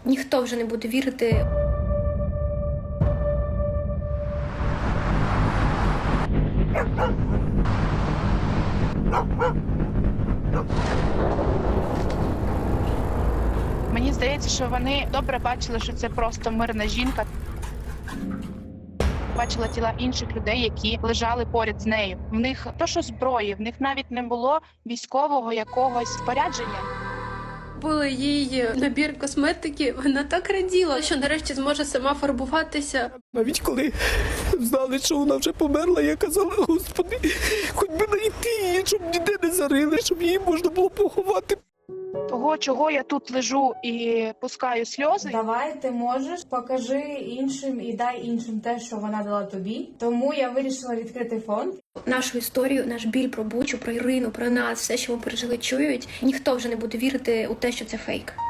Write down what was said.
Ніхто вже не буде вірити. Мені здається, що вони добре бачили, що це просто мирна жінка. Бачила тіла інших людей, які лежали поряд з нею. В них то, що зброї, в них навіть не було військового якогось спорядження. Купили їй набір косметики, вона так раділа, що нарешті зможе сама фарбуватися. Навіть коли знали, що вона вже померла, я казала: Господи, хоч би знайти її, щоб ніде не зарили, щоб її можна було поховати. Того, чого я тут лежу і пускаю сльози. Давай, ти можеш, покажи іншим і дай іншим те, що вона дала тобі. Тому я вирішила відкрити фонд. Нашу історію, наш біль про Бучу, про Ірину, про нас, все, що ми пережили, чують. Ніхто вже не буде вірити у те, що це фейк.